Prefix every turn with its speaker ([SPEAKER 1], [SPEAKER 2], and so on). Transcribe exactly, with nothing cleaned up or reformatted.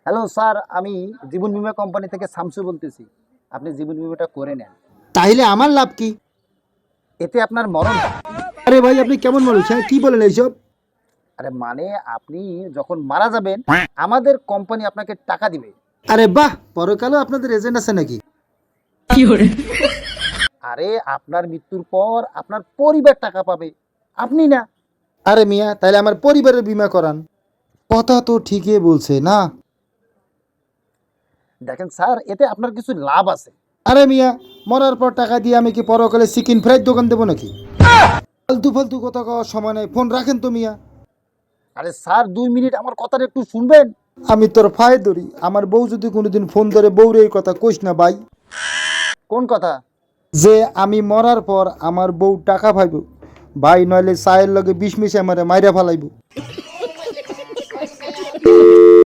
[SPEAKER 1] Hello sir, আমি জীবন বীমা company থেকে শামসু বলতেছি। আপনি জীবন বীমাটা করে নেন,
[SPEAKER 2] তাইলে আমার লাভ কি?
[SPEAKER 1] এতে আপনার মরণ।
[SPEAKER 2] আরে ভাই, আপনি কেমন মানুষ? হ্যাঁ, কি বলেন এইসব?
[SPEAKER 1] আরে মানে আপনি যখন মারা যাবেন আমাদের কোম্পানি আপনাকে টাকা দিবে।
[SPEAKER 2] আরে বাহ, পরকালও আপনাদের এজেন্ট আছে নাকি?
[SPEAKER 1] আরে আপনার মৃত্যুর পর আপনার পরিবার টাকা পাবে, আপনি না।
[SPEAKER 2] আরে মিয়া, তাইলে আমার পরিবারের বীমা করান। কথা তো ঠিকই বলছে না?
[SPEAKER 1] দেখেন স্যার, এতে আপনার কিছু লাভ আছে।
[SPEAKER 2] আরে মিয়া, মরার পর টাকা দিয়ে আমি কি পরকালে চিকেন ফ্রাইড দোকান দেবো নাকি? ফালতু ফালতু কথা কওয়ার সময় নেই, ফোন রাখেন তো মিয়া।
[SPEAKER 1] আরে স্যার, দুই মিনিট আমার কথাটা একটু শুনবেন।
[SPEAKER 2] আমি তোর ফায় ধরি, আমার বউ যদি কোনোদিন ফোন ধরে বউরে এই কথা কইস না ভাই।
[SPEAKER 1] কোন কথা?
[SPEAKER 2] যে আমি মরার পর আমার বউ টাকা পাইব ভাই, নইলে চায়ের লগে বিষ মিশে আমারে মাইরা ফালাইব।